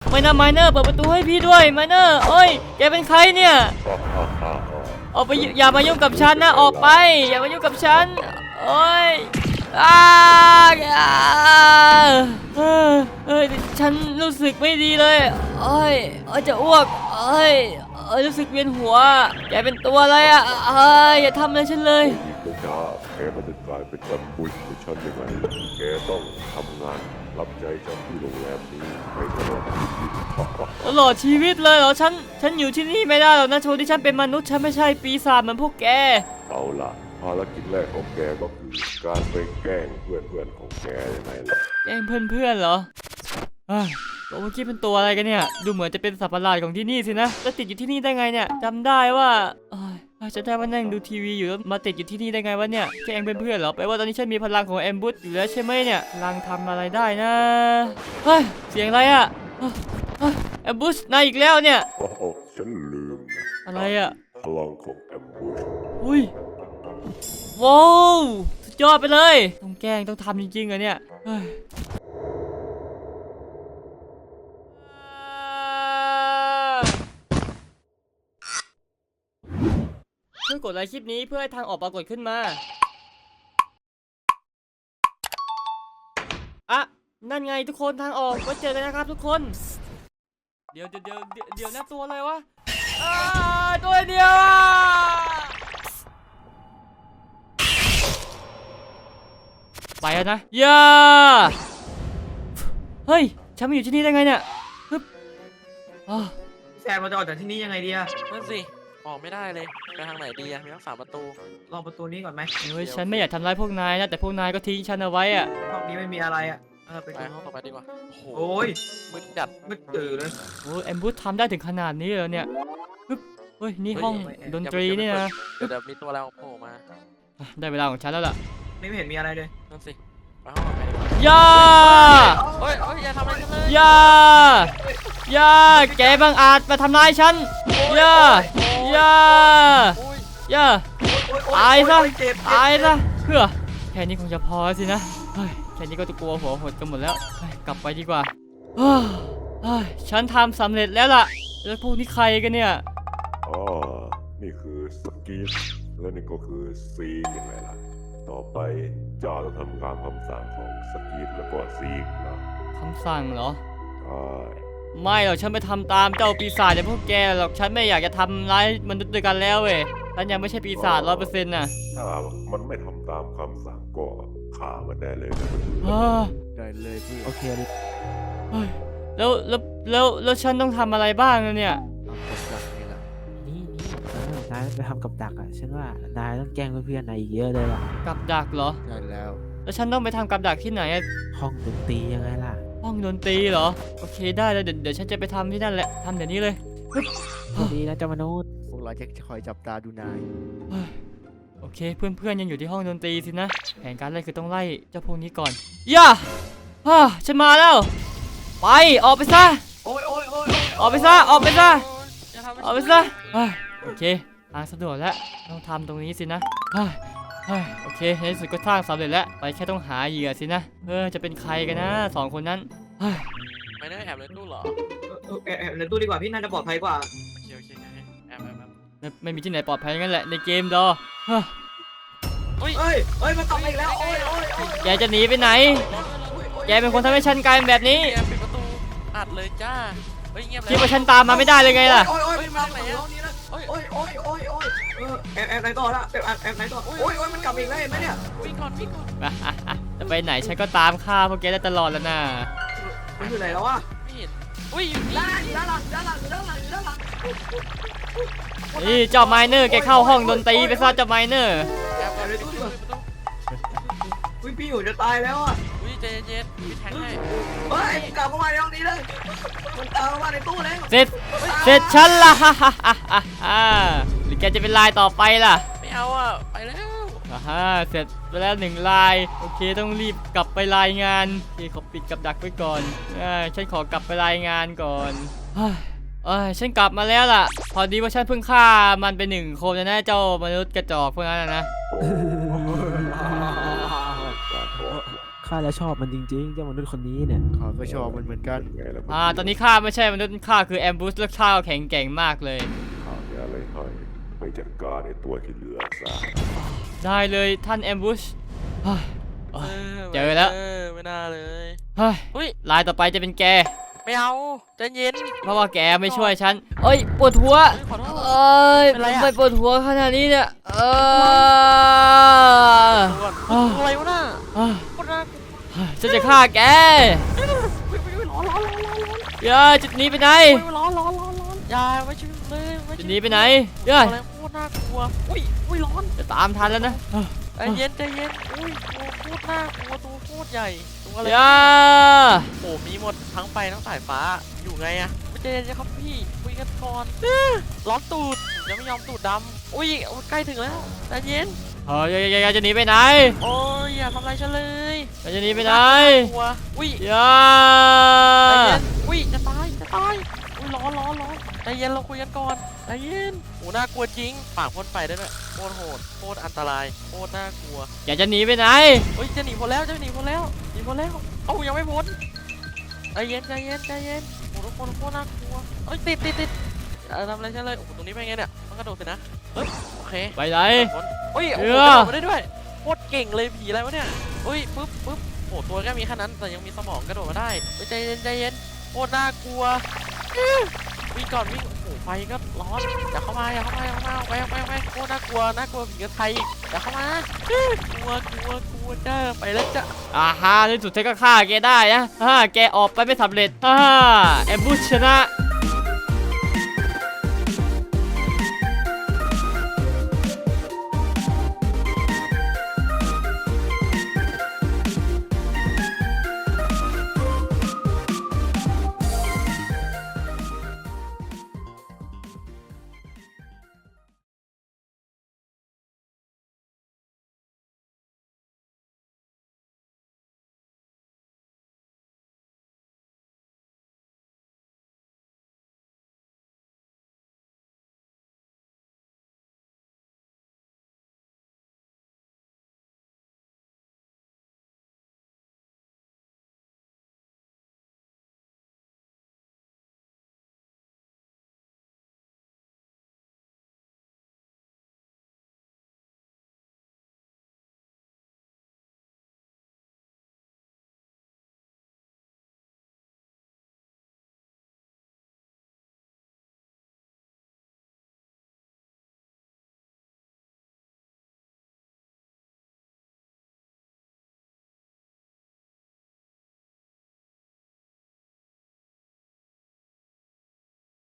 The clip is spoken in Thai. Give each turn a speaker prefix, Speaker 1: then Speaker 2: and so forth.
Speaker 1: ไม่นะไมเนอร์เปิดประตูให้พี่ด้วยไมเนอร์โอ้ยแกเป็นใครเนี่ยออกไปอย่ามายุ่งกับฉันนะออกไปอย่ามายุ่งกับฉันโอ้ยฉันรู้สึกไม่ดีเลยโอ้ยจะอ้วกรู้สึกเวียนหัวแกเป็นตัวอะไรอ่ะอย่าทำอะไรฉันเลย
Speaker 2: แกมันจะกลายเป็นแอมบูชของฉันยังไงแกต้องทำงานรับใจฉันที่โรงแรมนี้ไปตลอดชีวิต
Speaker 1: เลยเหรอฉันอยู่ที่นี่ไม่ได้หรอกนะโชว์ที่ฉันเป็นมนุษย์ฉันไม่ใช่ปีศาจเหมือนพวกแก
Speaker 2: เอาล่ะภารกิจแรกของแกก็คือการไปแกล้งเพื่อนของแกยังไงล่ะ
Speaker 1: แกล้งเพื่อนเหรอตัวเมื่อกี้เป็นตัวอะไรกันเนี่ยดูเหมือนจะเป็นสัตว์ประหลาดของที่นี่สินะแล้วติดอยู่ที่นี่ได้ไงเนี่ยจำได้ว่าจะได้ว่านั่งดูทีวีอยู่แล้วมาติดอยู่ที่นี่ได้ไงวะเนี่ยแกล้งเพื่อนเหรอแปลว่าตอนนี้ฉันมีพลังของแอมบูชอยู่แล้วใช่ไหมเนี่ยพลังทำอะไรได้นะเสียงอะไรอะแอมบูชนายอีกแล้วเนี่ย
Speaker 2: ฉันลืม
Speaker 1: อะไรอะ
Speaker 2: พลังของแอมบูช
Speaker 1: อุ้ยว้าวสุดยอดไปเลยต้องแกล้งต้องทำจริงๆเหรอเนี่ยช่วยกดไลค์คลิปนี้เพื่อให้ทางออกปรากฏขึ้นมานั่นไงทุกคนทางออกไว้เจอกันนะครับทุกคนเดี๋ยวนะตัวอะไรวะตัวเดียวไปแล้วนะเฮ้ยฉันมาอยู่ที่นี่ได้ไงเนี่ย
Speaker 3: แซมเราจะออกจากที่นี่ยังไงดีอะ
Speaker 4: นั่นสิออกไม่ได้เลยไปทางไหนดีอะมีทั้ง3 ประตู
Speaker 3: ลองประตูนี้ก่อนไหม
Speaker 1: ฉันไม่อยากทำร้ายพวกนายนะแต่พวกนายก็ทิ้งฉันเอาไว้อะ
Speaker 3: ห้องนี้ไม่มีอะไรอะ
Speaker 4: ไปห้องต่อไปดีกว่า
Speaker 3: โอ้ย
Speaker 4: มืดจัด
Speaker 3: มืดตื่นเลย
Speaker 1: แอมบูธทำได้ถึงขนาดนี้เลยเนี่ยเฮ้ยนี่ห้องดนตรีนี่นะ
Speaker 4: เดี๋ยวมีตัวแล้วโผล่มา
Speaker 1: ได้เวลาของฉันแล้วล่ะ
Speaker 3: ไม่เห็นมีอะไรเลย
Speaker 4: นั่นสิไปห้องต่อไปดีกว่าอย่าทำอะไรฉันเลย
Speaker 1: อย่าแกบังอาจมาทำร้ายฉันอย่าตายซะเพื่อแค่นี้คงจะพอสินะแค่นี้ก็จะกลัวหัวหดกันหมดแล้วกลับไปดีกว่าฉันทำสำเร็จแล้วล่ะแล้วพวกนี้ใครกันเนี่ย
Speaker 2: นี่คือสกีทและนี่ก็คือซีกยังไงล่ะต่อไปจะทำการคำสั่งของสกีทแล้วก็ซีกนะ
Speaker 1: คำสั่งเหรอไม่หรอกฉันไปทำตามเจ้าปีศาจอย่างพวกแกหรอกฉันไม่อยากจะทำร้ายมนุษย์ด้วยกันแล้วเว้ยฉันยังไม่ใช่ปีศาจ100%น่ะ
Speaker 2: ถ้ามันไม่ทำตามคำสั่งก็ฆ่ามันได้เลยนะ
Speaker 4: ได้เลยพี่
Speaker 1: โอเคแล้วฉันต้องทำอะไรบ้างเนี่ย
Speaker 5: นี่นายไปทำกับดักอ่ะฉันว่านายต้องแกล้งเพื่อนๆนายเยอะเลยล่ะ
Speaker 1: กับดักเหรอ
Speaker 4: ใช่แล้ว
Speaker 1: ฉันต้องไปทำกับดักที่ไหน
Speaker 5: ห้องดนตรียังไงล่ะ
Speaker 1: ห้องดนตรีเหรอโอเคได้แล้วเดี๋ยวฉันจะไปทำที่นั่นแหละทำเดี๋ยวนี้เลย
Speaker 5: ดีนะเจ้ามนุษย์
Speaker 4: พวกเราจะคอยจับตาดูนาย
Speaker 1: โอเคเพื่อนยังอยู่ที่ห้องดนตรีสินะแผนการแรกคือต้องไล่เจ้าพวกนี้ก่อนฉันมาแล้วไปออกไปซะออกไปซะโอเคทางสะดวกแล้วต้องทำตรงนี้สินะโอเคในที่สุดก็สร้างสำเร็จแล้วไปแค่ต้องหาเหยื่อสินะจะเป็นใครกันนะ2 คนนั้น
Speaker 4: ไม่ได้แอบในตู้หรอ
Speaker 3: แอบในตู้ดีกว่าพี่น่าจะปลอดภัยกว่า
Speaker 4: โอเคแอบ
Speaker 1: ไม่มีที่ไหนปลอดภัยงั้นแหละในเกมดอ
Speaker 3: เฮ้ยมันกลับมาอีกแล้ว
Speaker 1: แกจะหนีไปไหนแกเป็นคนทำให้ฉันกลายเป็นแบบนี้
Speaker 4: ปิดประตูอัดเลยจ้าเงียบเลย
Speaker 1: คิดว่าฉันตามมาไม่ได้เลยไงล่ะ
Speaker 3: มาไหนอ่ะแอบไหนต่อละแอบไหนต่อมันกลับอีกแล้วเห็นไหมเนี่ย
Speaker 4: วิ่งก่อน
Speaker 1: จะไปไหนฉันก็ตามฆ่าพวกแกได้ตลอดแล้วนะ
Speaker 3: มันอยู่ไหนแล้ววะ
Speaker 4: ไม่เห็น
Speaker 3: อยู่ด้านหลัง
Speaker 1: นี่เจ้าไมเนอร์แกเข้าห้องดนตรีไปซะเจ้าไมเนอร์
Speaker 3: พี่อยู่จะตายแล้วอ่ะ
Speaker 4: ใจเย็นพี่แทงให้
Speaker 3: กลับเข้ามาในห้องนี้เลยมันตามเข้ามาในตู้แล้ว
Speaker 1: เสร็จฉันละหรือแกจะเป็นลายต่อไปล่ะ
Speaker 4: ไม่เอาไปแล้ว
Speaker 1: เสร็จไปแล้ว1 ลายโอเคต้องรีบกลับไปรายงานขอปิดกับดักไว้ก่อนฉันขอกลับไปรายงานก่อนฉันกลับมาแล้วล่ะพอดีว่าฉันเพิ่งฆ่ามันไป1 คนนะเจ้ามนุษย์กระจอกพวกนั้นนะ
Speaker 5: ขข้าแล้วชอบมันจริงๆเจ้ามนุษย์คนนี้เนี่ย
Speaker 6: ข้าก็ชอบมันเหมือนกัน
Speaker 2: ไงล่ะ
Speaker 1: ตอนนี้ข้าไม่ใช่มนุษย์ข้าคือแอมบูสและข้าแข็งแกร่งมากเลย
Speaker 2: ข้ามีอะไรให้ไปจัดการในตัวที่เหลือซะ
Speaker 1: ได้เลยท่านแอมบูส เจอ
Speaker 4: ไม่
Speaker 1: แล้ว
Speaker 4: ไม่น่าเลย
Speaker 1: เฮ้ย
Speaker 4: อุ้ย
Speaker 1: ลายต่อไปจะเป็นแก
Speaker 4: ไม่เอาใจเย็น
Speaker 1: เพราะว่าแกไม่ช่วยฉันเอ้ยปวดหัว
Speaker 4: เฮ้ยขอโทษ
Speaker 1: เอ้ย
Speaker 4: เป็นไรอะ
Speaker 1: ไม่ปวดหัวขนาดนี้เนี่ย
Speaker 4: ก่อน
Speaker 1: อ่า
Speaker 4: อะไรวะน่ะ
Speaker 1: อ่า
Speaker 4: โคตรน่ากลัว
Speaker 1: ฉันจะฆ่าแก
Speaker 4: อุ๊ยร้อนร้อนร้อนร้อนร้อน
Speaker 1: อย่าจุดหนี้ไปไหน
Speaker 4: อุ๊ยร้อนร้อนร้อนร้อนอย่าไม่ชิมเลยไม่
Speaker 1: จุ
Speaker 4: ชิ
Speaker 1: ด
Speaker 4: ม
Speaker 1: หนี้ไปไหนอย่า
Speaker 4: อะไรโคตรน่ากลัวอุ้ยร้อน
Speaker 1: จะตามทันแล้วนะ
Speaker 4: ใจเย็นอุ้ยตัวโคตรน่ากลัวตัวโคตรใหญ่ตัวอะไร
Speaker 1: อย่า
Speaker 4: โอ้มีหมดทั้งไฟทั้งสายฟ้าอยู่ไงอะไม่ใจเย็นครับพี่คุยกันก่อนร้อนตูดยังไม่ยอมตูดดำอุ้ยใกล้ถึงแล้วใจเย็น
Speaker 1: อย่าจะหนีไปไหน
Speaker 4: โอ้ยอย่าทำอะไรฉันเลย
Speaker 1: อย่าจะหนีไปไหน
Speaker 4: กลัวอุ้ย
Speaker 1: อย่า
Speaker 4: ใจเย็นอุ้ยจะตายอุ้ยร้อนใจเย็นเราคุยกันก่อนใจเย็นโอ้น่ากลัวจริงปากพ่นไฟได้ด้วยโคตรโหดโคตรอันตรายโคตรน่ากลัว
Speaker 1: อย่าจะหนีไปไหน
Speaker 4: เฮ้ยจะหนีพ้นแล้วเอ้ายังไม่พ้นใจเย็นโอ้ทุกคนโคตรน่ากลัวเอ้ยติดทำอะไรฉันเลยโอ้ตรงนี้เป็นไงเนี่ยต้องกระโดดสินะเฮ้ยโอเค
Speaker 1: ไปไหน
Speaker 4: โอ้ยโอ้
Speaker 1: เอ
Speaker 4: โห
Speaker 1: อ
Speaker 4: กระโดดมาได้ด้วยโคตรเก่งเลยผีอะไรวะเนี่ยเฮ้ยปึ๊บโอ้ตัวแค่มีแค่นั้นแต่ยังมีสมองกระโดดมาได้เฮ้ยใจเย็นโคตรน่ากลัววิ่งก่อนวิ่งโอ้โหไฟก็ร้อนอย่าเข้ามาออกไปโคตรน่ากลัวผีกระไทยอย่าเข้ามากลัวจ้าไปแล้วจ้ะ
Speaker 1: ในสุดเธอก็ฆ่าแกได้นะแกออกไปไม่สำเร็จแอมบูชชนะ